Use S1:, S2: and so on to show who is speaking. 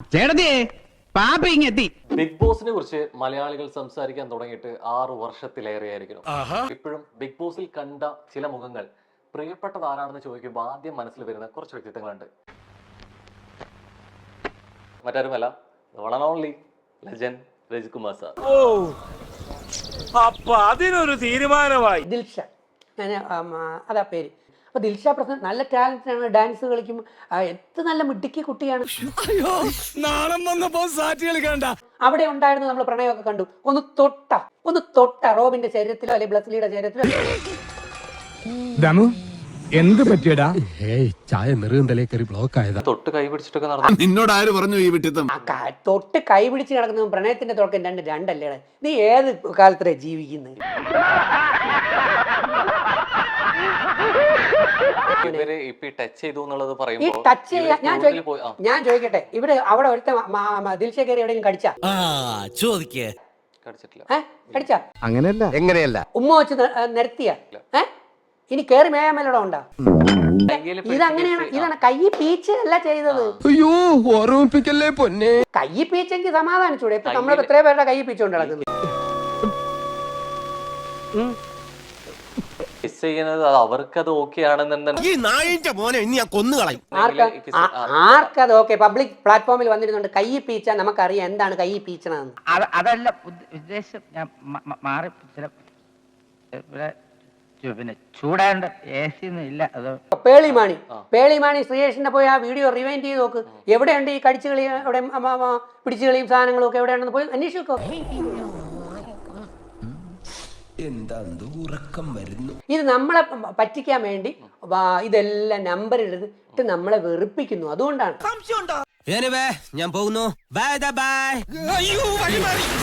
S1: ചേട്ടത്തിയേ പാപ്പ ഇങ്ങെത്തി.
S2: ബിഗ് ബോസിനെ കുറിച്ച് മലയാളികൾ സംസാരിക്കാൻ തുടങ്ങിയിട്ട് 6 വർഷത്തിലേറെയായിരിക്കുന്നു. ഇപ്പോഴും ബിഗ് ബോസിൽ കണ്ട ചില മുഖങ്ങൾ പ്രിയപ്പെട്ടത് ആരാണെന്ന് ചോദിക്കുമ്പോൾ ആദ്യം മനസ്സിൽ വരുന്ന കുറച്ച് വ്യക്തിത്വങ്ങളുണ്ട്. മറ്റാരുമല്ല, one and only legend Rajith Kumar sir.
S3: അപ്പൊ അതിനൊരു തീരുമാനമായി.
S4: ദിൽഷ, അതാ പേര്. അപ്പൊ ദിൽഷ പ്രസന്റ് നല്ല ടാലന്റാണ്, ഡാൻസ് കളിക്കും, എത്ര നല്ല മിടുക്കി കുട്ടിയാണ്. അവിടെ ഉണ്ടായിരുന്നു, നമ്മൾ പ്രണയമൊക്കെ കണ്ടു. ഒന്ന് തൊട്ട റോബിന്റെ ശരീരത്തിലോ അല്ലെങ്കിൽ ബ്ലസ്ലിയുടെ ശരീരത്തിലോ.
S1: എന്ത് പറ്റിയടാ?
S5: ചായ നെറുകന്തലേ കയറി ബ്ലോക്ക് ആയതാ.
S2: തൊട്ട് കൈ പിടിച്ചിട്ടൊക്കെ നടന്നു.
S5: നിന്നോട് ആര് പറഞ്ഞു ഈ വിട്ടിത്തം?
S4: തൊട്ട് കൈ പിടിച്ച് കിടക്കുന്നതും പ്രണയത്തിന്റെ തുടക്കം രണ്ടല്ലേ? നീ ഏത് കാലത്തിലാ ജീവിക്കുന്നത്?
S2: ഇവര് ഇപ്പൊ ടച്ച് ചെയ്തു എന്നുള്ളത്
S4: ഈ
S2: പറയുമ്പോൾ
S4: ടച്ച് ചെയ്യാൻ ഞാൻ ചോദിക്കട്ടെ, ഇവിടെ അവിടെ ഒരുത്ത ദിൽഷ കയറി എവിടെയെങ്കിലും കടിച്ചാ?
S2: കടിച്ചിട്ടില്ല.
S4: കടിച്ചാ?
S1: അങ്ങനെയല്ല. എങ്ങനെയല്ല?
S4: ഉമ്മ വെച്ച് നിരത്തിയ? ഇനി കേറി മേയമല്ലോടെ ഉണ്ടാ? ഇതങ്ങനെയാണ്. ഇതാണ് കൈ പീച്ച് അല്ല ചെയ്തത്.
S5: അയ്യോ ഓർമ്മിപ്പിക്കല്ലേ പൊന്നെ.
S4: കൈ പീച്ചെങ്കിൽ സമാധാനിച്ചൂടെ? ഇപ്പൊ നമ്മൾ എത്രയോ പേരുടെ കൈ പീച്ചുകൊണ്ട് നടക്കുന്നത്.
S2: അവർക്കത് ഓക്കെ ആണെന്നുണ്ടെങ്കിൽ
S4: ആർക്കത് ഓക്കെ? പബ്ലിക് പ്ലാറ്റ്ഫോമിൽ വന്നിരുന്നുണ്ട് കൈ പീച്ച. നമുക്കറിയാം എന്താണ് കൈ പീച്ചണെന്ന്.
S6: അതല്ല ഉദ്ദേശം. ഞാൻ മാറി പിന്നെ ചൂടാണ്ട് എ സി ഒന്നും ഇല്ല. അത്
S4: പേളിമാണി ശ്രീയേഷിന്റെ പോയി ആ വീഡിയോ റിവൈൻഡ് ചെയ്ത് നോക്ക്. എവിടെയുണ്ട് ഈ കടിച്ചു കളി, എവിടെ പിടിച്ചു കളിയും സാധനങ്ങളും ഒക്കെ എവിടെയാണെന്ന് പോയി അന്വേഷിക്കോ. ഇത് നമ്മളെ പറ്റിക്കാൻ വേണ്ടി ഇതെല്ലാം നമ്പർ എടുത്തിട്ട് നമ്മളെ വെറുപ്പിക്കുന്നു. അതുകൊണ്ടാണ്.
S5: ഞാൻ പോകുന്നു. Bye by.